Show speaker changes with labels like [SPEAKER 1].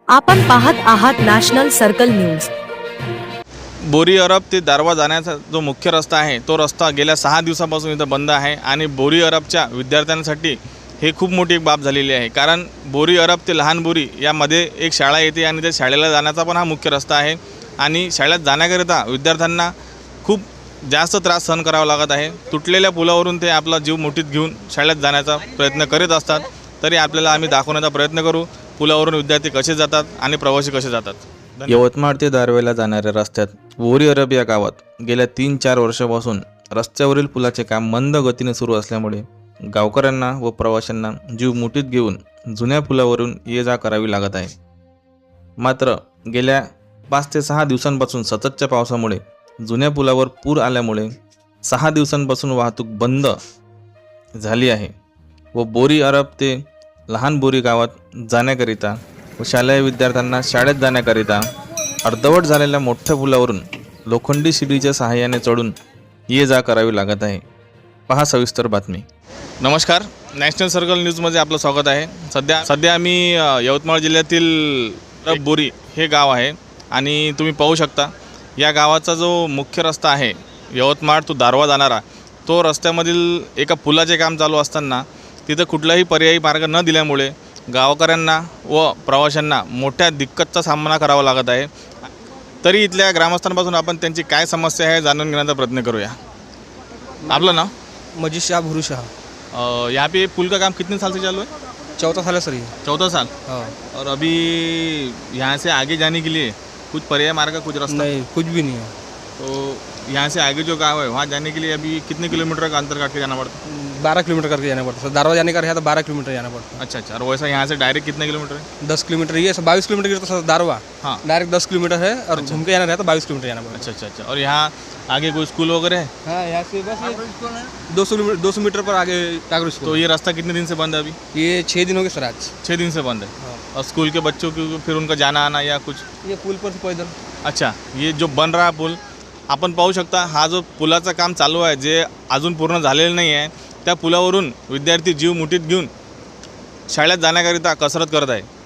[SPEAKER 1] आपण पाहत आहात national circle news.
[SPEAKER 2] Bori Arab ते दारवा जाण्याचा जो मुख्य रस्ता आहे तो रस्ता गेल्या 6 दिवसापासून इथं बंद आहे आणि बोरी अरबच्या विद्यार्थ्यांसाठी हे खूप मोठी एक बाब झालेली आहे। कारण बोरी अरब ते लहान बोरी यामध्ये एक शाळा येते आणि त्या शाळेला जाण्याचा पण हा मुख्य रस्ता आहे आणि शाळेत जाण्याकरिता विद्यार्थ्यांना खूप जास्त त्रास सहन करावा लागत आहे। तुटलेल्या पुलावरून ते आपला जीव मुठीत घेऊन शाळेत जाण्याचा प्रयत्न करीत असतात, तरी आपल्याला आम्ही दाखवण्याचा प्रयत्न करू पुलावरून विद्यार्थी कसे जातात आणि प्रवासी कसे जातात।
[SPEAKER 3] यवतमाळ ते दारव्याला जाणाऱ्या रस्त्यात बोरी अरब या गावात गेल्या 3-4 वर्षापासून रस्त्यावरील पुलाचे काम मंद गतीने सुरू असल्यामुळे गावकऱ्यांना व प्रवाशांना जीव मुठीत घेऊन जुन्या पुलावरून ये जा करावी लागत आहे। मात्र गेल्या 5 ते 6 दिवसांपासून सततच्या पावसामुळे जुन्या पुलावर पूर आल्यामुळे 6 दिवसांपासून वाहतूक बंद झाली आहे व बोरी अरब ते लहान बोरी गावात जाण्याकरिता व शालेय विद्यार्थ्यांना शाळेत जाण्याकरिता अर्धवट झालेल्या मोठ्या पुलावरून लोखंडी शिडीच्या सहाय्याने चढून ये जा करावी लागत आहे। पहा सविस्तर बातमी।
[SPEAKER 2] नमस्कार, नॅशनल सर्कल न्यूजमध्ये आपलं स्वागत आहे। सध्या आम्ही यवतमाळ जिल्ह्यातील बोरी हे गाव आहे आणि तुम्ही पाहू शकता या गावाचा जो मुख्य रस्ता आहे यवतमाळ तो दारवा जाणारा, तो रस्त्यामधील एका पुलाचे काम चालू असताना तिथं कुठलाही पर्यायी मार्ग न दिल्यामुळे गावकऱ्यांना व प्रवाशांना मोठ्या दिक्कतचा सामना करावा लागत आहे। तरी इथल्या ग्रामस्थांपासून आपण त्यांची काय समस्या आहे जाणून घेण्याचा प्रयत्न करूया। आपलं नाम?
[SPEAKER 4] मजीद शाह भुरू शाह।
[SPEAKER 2] यहाँ पे पुल का काम कितने साल से चालू है?
[SPEAKER 4] चौथा साल है सर ये।
[SPEAKER 2] 14 साल।
[SPEAKER 4] हाँ।
[SPEAKER 2] और अभी यहाँ से आगे जाने के लिए कुछ पर्याय मार्ग, कुछ रास्ता?
[SPEAKER 4] नहीं, कुछ भी नहीं है।
[SPEAKER 2] तो यहाँ से आगे जो गाँव है वहाँ जाने के लिए अभी कितने किलोमीटर का अंतर काट के जाना पड़ता है?
[SPEAKER 4] 12 किलोमीटर करके जाना पड़ता है। दारवा जाने का रहा तो 12 किलोमीटर जाना पड़ता है।
[SPEAKER 2] अच्छा, और वैसा यहाँ से डायरेक्ट कितने किलोमीटर है?
[SPEAKER 4] 10 किलोमीटर ये 22 किलोमीटर की तो दारवा।
[SPEAKER 2] हाँ।
[SPEAKER 4] डायरेक्ट 10 किलोमीटर है और घूम के जाना रहा तो 22 किलोमीटर जाना पड़ता है।
[SPEAKER 2] अच्छा। और यहाँ आगे कोई स्कूल वगैरह है?
[SPEAKER 4] हाँ, यहाँ से बस 200 मीटर पर आगे टागरू स्कूल।
[SPEAKER 2] तो ये रास्ता कितने दिन से बंद है अभी?
[SPEAKER 4] ये 6 दिन हो गए सर आज।
[SPEAKER 2] 6 दिन से बंद है।
[SPEAKER 4] हाँ।
[SPEAKER 2] और स्कूल के बच्चों की फिर उनका जाना आना या कुछ?
[SPEAKER 4] ये पुल पर से पैदल।
[SPEAKER 2] अच्छा, ये जो बन रहा पुल आपण पाहू शकता, हा जो पुलाचं काम चालू आहे जे अजून पूर्ण झालेलं नाही आहे, त्या पुलावरून विद्यार्थी जीव मुठीत घेऊन शाळेत जाण्याकरिता कसरत करत आहे।